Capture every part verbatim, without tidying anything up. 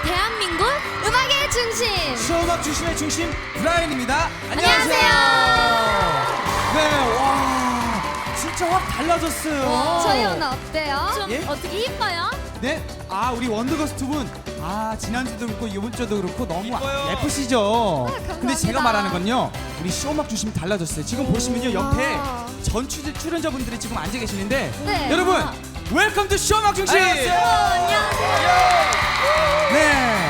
대한민국 음악의 중심. 쇼음악 중심의 중심 브라인입니다. 안녕하세요. 네, 와, 진짜 확 달라졌어요. 저희 오늘 어때요? 좀 예? 어떻게 이뻐요? 네, 아 우리 원더걸스 두 분, 아 지난주도 그렇고 이번 주도 그렇고 너무 이뻐요. 예쁘시죠. 감사합니다. 근데 제가 말하는 건요, 우리 쇼음악 중심 달라졌어요. 지금 보시면요 옆에 와. 전 출- 출연자분들이 지금 앉아 계시는데, 네. 여러분 웰컴 투 쇼음악 중심. 안녕하세요. 네,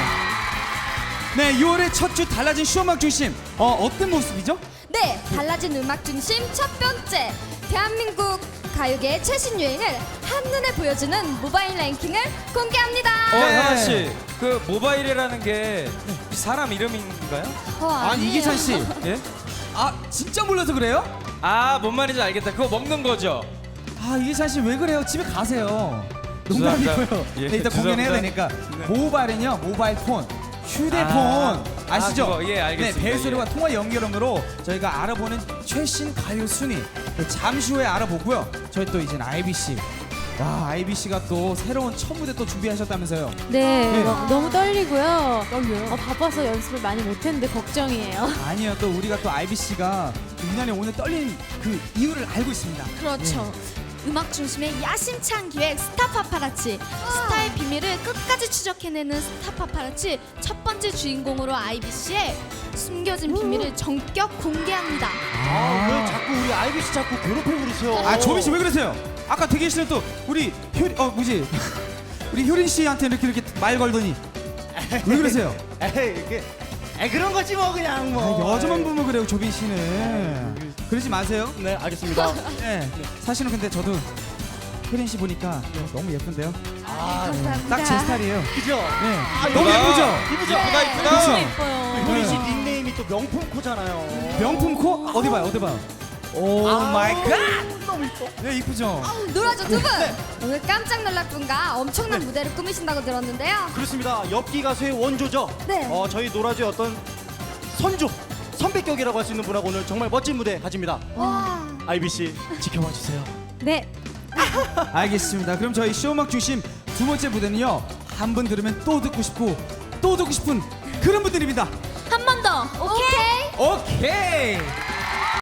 네, 유월의 첫 주 달라진 쇼음악 중심. 어 어떤 모습이죠? 네, 달라진 음악 중심 첫 번째. 대한민국 가요계의 최신 유행을 한눈에 보여주는 모바일 랭킹을 공개합니다. 어, 네. 하나 씨, 그 모바일이라는 게 사람 이름인가요? 어, 아니 아니에요. 이기찬 씨, 예? 아 진짜 몰라서 그래요? 아, 뭔 말인지 알겠다. 그거 먹는 거죠? 아 이기찬 씨 왜 그래요? 집에 가세요. 죄송합니다. 농담이고요. 예, 네, 일단 공연해야 죄송합니다. 되니까. 모바일은요, 모바일 폰, 휴대폰 아, 아, 시죠? 아, 그거, 예, 알겠습니다. 네, 벨소리와 예. 통화 연결음으로 저희가 알아보는 최신 가요 순위 네, 잠시 후에 알아보고요. 저희 또 이제 아이비씨. 와, 아이비씨가 또 새로운 첫 무대 또 준비하셨다면서요? 네, 네. 너, 너무 떨리고요. 떨려요? 어, 바빠서 연습을 많이 못했는데 걱정이에요. 아니요, 또 우리가 또 아이비씨가 유난히 오늘 떨린 그 이유를 알고 있습니다. 그렇죠. 음악 중심의 야심찬 기획 스타 파파라치. 스타의 비밀을 끝까지 추적해내는 스타 파파라치 첫 번째 주인공으로 아이비씨의 숨겨진 비밀을 전격 공개합니다. 아, 왜 자꾸 우리 아이비씨 자꾸 괴롭히고 그러세요? 아, 조민 씨 왜 그러세요? 아까 대기실에 또 우리 효, 어 뭐지? 우리 효린 씨한테 이렇게 이렇게 말 걸더니 왜 그러세요? 에이, 이게 에이, 그런 거지 뭐 그냥 아, 뭐. 여자만 보면 그래요, 조빈 씨는. 그러지 마세요. 네, 알겠습니다. 네. 사실은 근데 저도 효린 씨 보니까 너무 예쁜데요. 아, 감사합니다. 딱 제 스타일이에요. 그죠? 네. 아, 너무 이쁘다. 예쁘죠? 이쁘죠? 이쁘다, 이쁘다. 그쵸? 너무 예뻐요. 효린 씨 닉네임이 또 명품 코잖아요. 명품 코? 어디 봐요, 어디 봐요? 오 마이 갓! 너무 이뻐. 네, 이쁘죠? 놀아줘 두 분. 오늘 깜짝 놀랄 분과 엄청난 무대를 꾸미신다고 들었는데요. 그렇습니다. 엽기 가수의 원조죠. 네. 어, 저희 노라조의 어떤 선조, 선배격이라고 할 수 있는 분하고 오늘 정말 멋진 무대 가집니다. 와. 아이비씨 지켜봐 주세요. 네, 알겠습니다. 그럼 저희 쇼음악 중심 두 번째 무대는요, 한 번 들으면 또 듣고 싶고 또 듣고 싶은 그런 분들입니다. 한 번 더. 오케이. 오케이.